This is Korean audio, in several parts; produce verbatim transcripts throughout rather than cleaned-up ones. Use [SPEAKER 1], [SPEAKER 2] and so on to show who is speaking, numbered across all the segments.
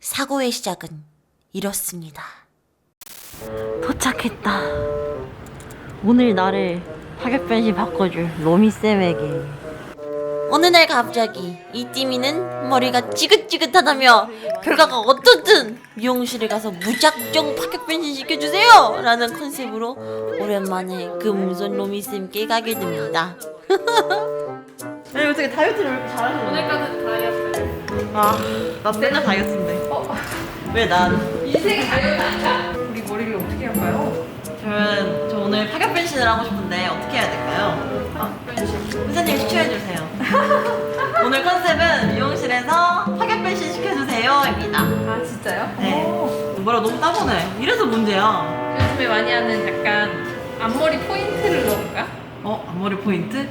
[SPEAKER 1] 사고의 시작은 이렇습니다. 도착했다. 오늘 나를 타격 변신 바꿔줄 로미쌤에게. 어느 날 갑자기 이띠미는 머리가 찌긋찌긋하다며 결과가 어떻든 미용실에 가서 무작정 파격 변신 시켜주세요! 라는 컨셉으로 오랜만에 금손 로미쌤께 가게 됩니다. 아니 어떻게 다이어트를 왜 이렇게 잘하는
[SPEAKER 2] 오늘까지 다이어트.
[SPEAKER 1] 아, 나 맨날 다이어트인데.
[SPEAKER 2] 어?
[SPEAKER 1] 왜 난?
[SPEAKER 2] 인생이 다이어트 아니야? 우리 머리를 어떻게 할까요?
[SPEAKER 1] 저는 저 오늘 파격 변신을 하고 싶은데 어떻게 해야 될까요?
[SPEAKER 2] 아, 변신.
[SPEAKER 1] 회사님 추천해주세요. 오늘 컨셉은 미용실에서 파격 변신 시켜주세요입니다.
[SPEAKER 2] 아, 진짜요?
[SPEAKER 1] 네.
[SPEAKER 2] 오.
[SPEAKER 1] 뭐라 너무 따보네. 이래서 문제야.
[SPEAKER 2] 요즘에 많이 하는 약간 앞머리 포인트를 넣을까?
[SPEAKER 1] 어? 앞머리 포인트?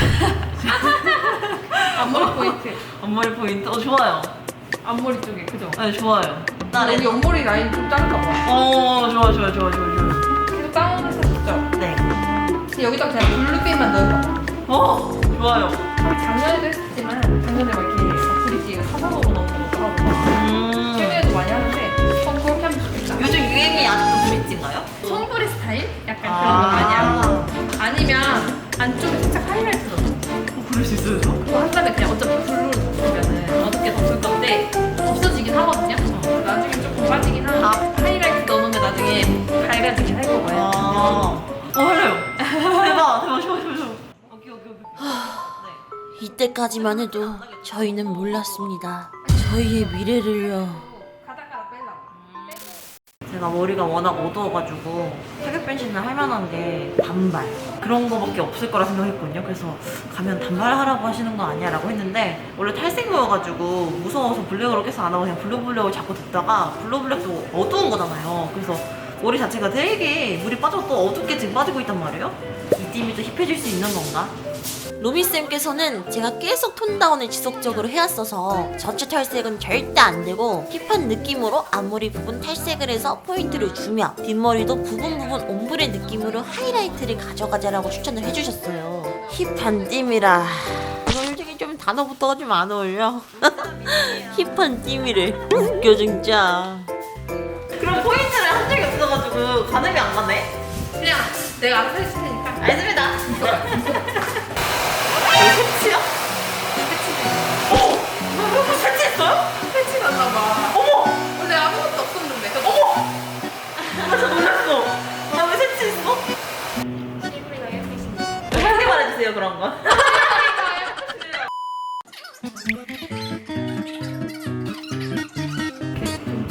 [SPEAKER 2] 앞머리 포인트.
[SPEAKER 1] 앞머리 포인트? 어 좋아요.
[SPEAKER 2] 앞머리 쪽에, 그죠?
[SPEAKER 1] 네 좋아요.
[SPEAKER 2] 여기 옆머리 라인 좀 짧다 봐.
[SPEAKER 1] 어 좋아 좋아 좋아 좋아 좋아.
[SPEAKER 2] 계속 다운해서 좋죠?
[SPEAKER 1] 네.
[SPEAKER 2] 근데 여기다 그냥 블루빛만 넣어봐.
[SPEAKER 1] 어 좋아요.
[SPEAKER 2] 작년에도 했었지만 작년에 막 이렇게 브릿지 사선으로 넣는 것도 하고
[SPEAKER 1] 음.
[SPEAKER 2] 최근에도 많이 하는데 어, 그렇게 하면 좋겠다.
[SPEAKER 1] 요즘 유행이 아직도 브릿지인가요?
[SPEAKER 2] 손브리 스타일? 약간 그런 거
[SPEAKER 1] 아.
[SPEAKER 2] 많이 하고 아니면 안쪽에 살짝 하이라이트 넣어.
[SPEAKER 1] 어, 그럴 수 있어요? 저?
[SPEAKER 2] 그거 한 다음에 그냥 어차피 블루를 덮으면은 어둡게 덮을 건데 없어지긴 하거든요. 어, 나중에 조금 빠지긴 하고 하이라이트 넣어놓으면 나중에 밝아지긴 할 거고요.
[SPEAKER 1] 아. 어 할래요. 대박 대박 좋아 좋아 좋아. 오케이 오케이 오케이. 네. 이때까지만 해도 저희는 몰랐습니다. 저희의 미래를요.
[SPEAKER 2] 가다가 빼려고.
[SPEAKER 1] 제가 머리가 워낙 어두워가지고 타격 변신을 할 만한 게 단발 그런 거밖에 없을 거라 생각했거든요. 그래서 가면 단발하라고 하시는 거 아니야 라고 했는데 원래 탈색모여가지고 무서워서 블랙으로 계속 안 하고 그냥 블루블랙을 자꾸 듣다가 블루블랙도 어두운 거잖아요. 그래서 머리 자체가 되게 물이 빠져서 또 어둡게 지금 빠지고 있단 말이에요. 이 띠미 또 힙해질 수 있는 건가? 로미쌤께서는 제가 계속 톤다운을 지속적으로 해왔어서 전체 탈색은 절대 안되고 힙한 느낌으로 앞머리 부분 탈색을 해서 포인트를 주며 뒷머리도 부분 부분 옴브레 느낌으로 하이라이트를 가져가자라고 추천을 해주셨어요. 힙한 띠미라 솔직히 좀 단어부터가 좀 안 어울려. 힙한 띠미를 웃겨 진짜. 그럼 포인트를 한 적이 없어가지고 가늠이 안 가네?
[SPEAKER 2] 그냥 내가 알아서 해줄 테니까.
[SPEAKER 1] 알겠습니다. 패치요? 어? 패치했어요?
[SPEAKER 2] 패치 났나봐.
[SPEAKER 1] 어머!
[SPEAKER 2] 원래 아무것도 없었는데.
[SPEAKER 1] 어머! 나 진짜 놀랐어. 나 왜 패치했어?
[SPEAKER 2] 실물이가 예쁘신데.
[SPEAKER 1] 크게 말해주세요 그런 거.
[SPEAKER 2] 이렇게 좀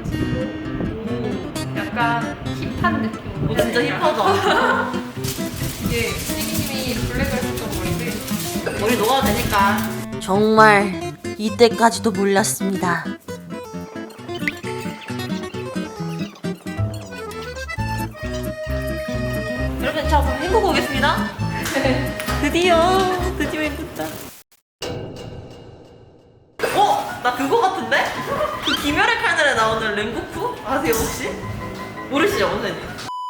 [SPEAKER 2] 잘라가지고 약간 힙한 느낌.
[SPEAKER 1] 오 진짜 힙하다.
[SPEAKER 2] 이게 시기님이 블랙을 했었던 머리인데
[SPEAKER 1] 머리 녹아도 되니까. 정말 이때까지도 몰랐습니다. 여러분 저 그럼 헹구고 오겠습니다. 드디어 드디어 예쁘다. 어? 나 그거 같은데? 그 김열의 칼날에 나오는 랭고쿠? 아세요 혹시? 모르시죠 선생님?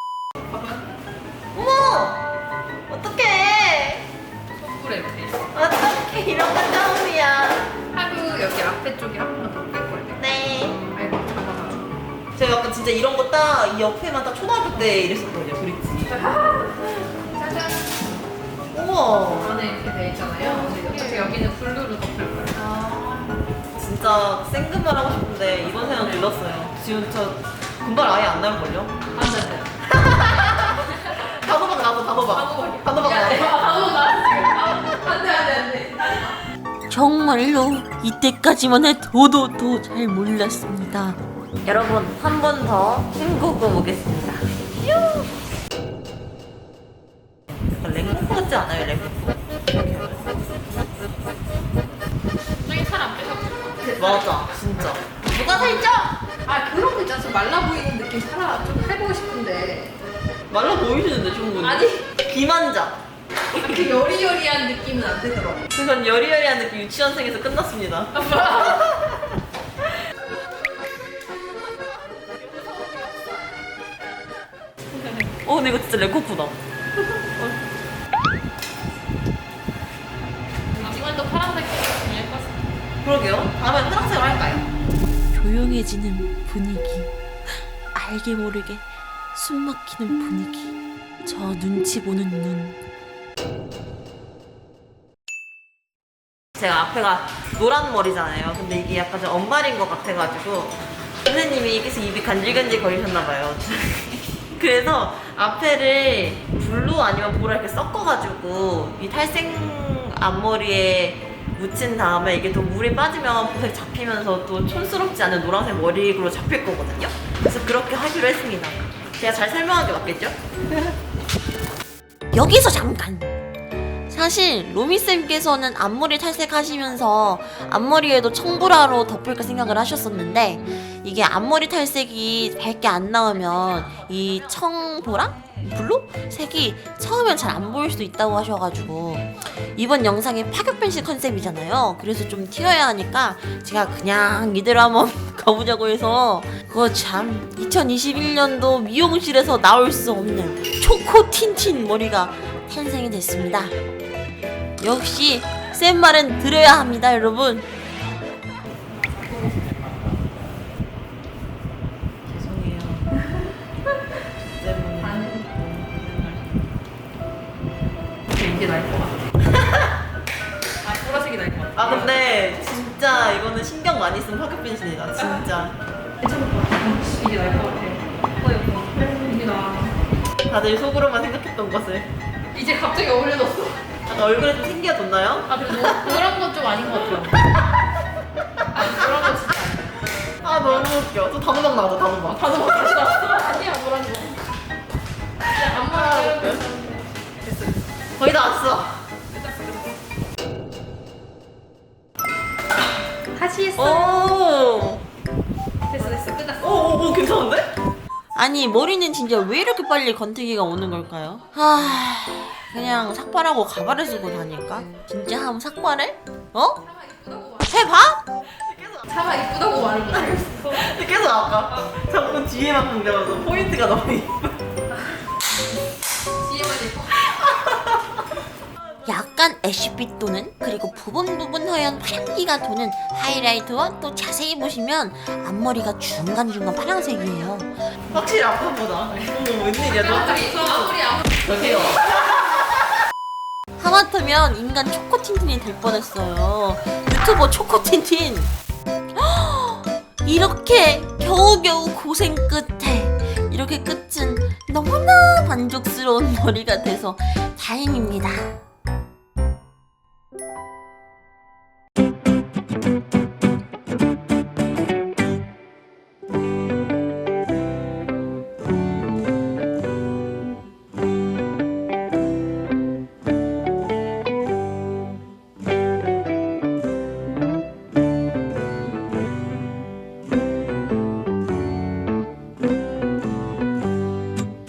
[SPEAKER 1] 어머! 어떡해!
[SPEAKER 2] 손불에 이렇게
[SPEAKER 1] 어떡해 이런 건 처음이야.
[SPEAKER 2] 하루 여기 앞에 쪽에 한 번만 더 뺄 거예요.
[SPEAKER 1] 네.
[SPEAKER 2] 아이고 잡아가지고.
[SPEAKER 1] 제가 약간 진짜 이런 거 딱 이 옆에만 딱 초등학교 때 이랬었거든요 브릿지.
[SPEAKER 2] 짜잔.
[SPEAKER 1] 우와.
[SPEAKER 2] 안에 이렇게 돼 있잖아요. 그래서 여기는 블루로 덮을 거예요.
[SPEAKER 1] 아, 진짜 생금을 하고 싶은데 이번 생은 들렀어요. 지금 저 금발 아예 안 나올걸요?
[SPEAKER 2] 안 돼, 안 돼.
[SPEAKER 1] 단호박 나도 단호박. 단호박
[SPEAKER 2] 야,
[SPEAKER 1] 나도.
[SPEAKER 2] 단호박 나왔어요. 안 돼, 안 돼, 안 돼.
[SPEAKER 1] 정말로 이때까지만 해도도 잘 몰랐습니다. 여러분 한 번 더 헹구고 오겠습니다. 뾰! 약간 랭코프 같지 않아요 랭코프?
[SPEAKER 2] 저기 살안 빼서.
[SPEAKER 1] 맞아 진짜. 누가 살쪄?
[SPEAKER 2] 아 그런 거 있잖아. 좀 말라 보이는 느낌 살아 좀 해보고 싶은데.
[SPEAKER 1] 말라 보이시는데 충분히.
[SPEAKER 2] 아니.
[SPEAKER 1] 비만자.
[SPEAKER 2] 그 여리여리한 느낌은 안 되더라고.
[SPEAKER 1] 그건 여리여리한 느낌 유치원생에서 끝났습니다. 어 근데 이거 진짜 랭코프다.
[SPEAKER 2] 이번도 파란색 좀 예뻤어.
[SPEAKER 1] 그러게요. 다음엔 파란색으로 할까요? 조용히
[SPEAKER 3] 조용해지는 분위기, 알게 모르게 숨막히는 분위기, 저 눈치 보는 눈.
[SPEAKER 1] 제가 앞에가 노란 머리잖아요. 근데 이게 약간 좀 언말인 것 같아가지고 선생님이 계속 입이 간질간질 거리셨나봐요. 그래서 앞에를 블루 아니면 보라 이렇게 섞어가지고 이 탈색 앞머리에 묻힌 다음에 이게 또 물이 빠지면 보색 잡히면서 또 촌스럽지 않은 노란색 머리로 잡힐 거거든요. 그래서 그렇게 하기로 했습니다. 제가 잘 설명한 게 맞겠죠?
[SPEAKER 3] 여기서 잠깐! 사실 로미쌤께서는 앞머리 탈색하시면서 앞머리에도 청보라로 덮을까 생각을 하셨었는데 이게 앞머리 탈색이 밝게 안 나오면 이 청보라? 블루? 색이 처음엔 잘 안 보일 수도 있다고 하셔가지고 이번 영상이 파격 변신 컨셉이잖아요. 그래서 좀 튀어야 하니까 제가 그냥 이대로 한번 가보자고 해서 그거 참 이천이십일 년도 미용실에서 나올 수 없는 초코 틴틴 머리가 탄생이 됐습니다. 역시 쌤 말은 들어야 합니다, 여러분.
[SPEAKER 1] 죄송해요.
[SPEAKER 2] 이게 나을 것 같아. 아, 보라색이 나을 것 같아.
[SPEAKER 1] 아 근데 진짜 이거는 신경 많이 쓴 파격 변신이다. 진짜.
[SPEAKER 2] 괜찮을 것 같아. 이게 나을 것 같아. 어, 여보. 이게 나.
[SPEAKER 1] 다들 속으로만 생각했던 것을.
[SPEAKER 2] 이제 갑자기 어울려졌어.
[SPEAKER 1] 약간 얼굴에 좀 생겨졌나요?
[SPEAKER 2] 아, 근데 노- 노란 건 좀 아닌 것 같아요. 아, 노란 건 진짜 아니야.
[SPEAKER 1] 아 너무 웃겨. 또 단호박 나왔다 단호박.
[SPEAKER 2] 단호박 다시 나왔어. 아니야, 노란 거. 그냥
[SPEAKER 1] 아,
[SPEAKER 2] 앞머리
[SPEAKER 1] 웃겨.
[SPEAKER 2] 자르고
[SPEAKER 1] 됐어. 거의 다 왔어.
[SPEAKER 2] 다시 했어.
[SPEAKER 1] 오.
[SPEAKER 2] 됐어, 됐어. 끝났어.
[SPEAKER 1] 오오오 괜찮은데?
[SPEAKER 3] 아니 머리는 진짜 왜 이렇게 빨리 건태기가 오는 걸까요? 하... 그냥 삭발하고 가발을 쓰고 다닐까? 진짜 한번 삭발해? 어?
[SPEAKER 2] 차마 이쁘다고 말.
[SPEAKER 3] 해봐?
[SPEAKER 2] 차마 이쁘다고 말을 못하겠어.
[SPEAKER 1] 계속 아까 자꾸 뒤에만 강조하면서 포인트가 너무 이뻐.
[SPEAKER 2] 뒤에만 예뻐.
[SPEAKER 3] 약간 애쉬빛 도는 그리고 부분 부분 하얀 파란기가 도는 하이라이트와 또 자세히 보시면 앞머리가 중간중간 파란색이에요.
[SPEAKER 1] 확실히 아빠보다. 어머 웬일이야 너
[SPEAKER 2] 아무리 아무리 아무리.
[SPEAKER 1] 저기요.
[SPEAKER 3] 하마터면 인간 초코틴틴이 될 뻔했어요. 유튜버 초코틴틴. 이렇게 겨우겨우 고생 끝에 이렇게 끝은 너무나 만족스러운 머리가 돼서 다행입니다.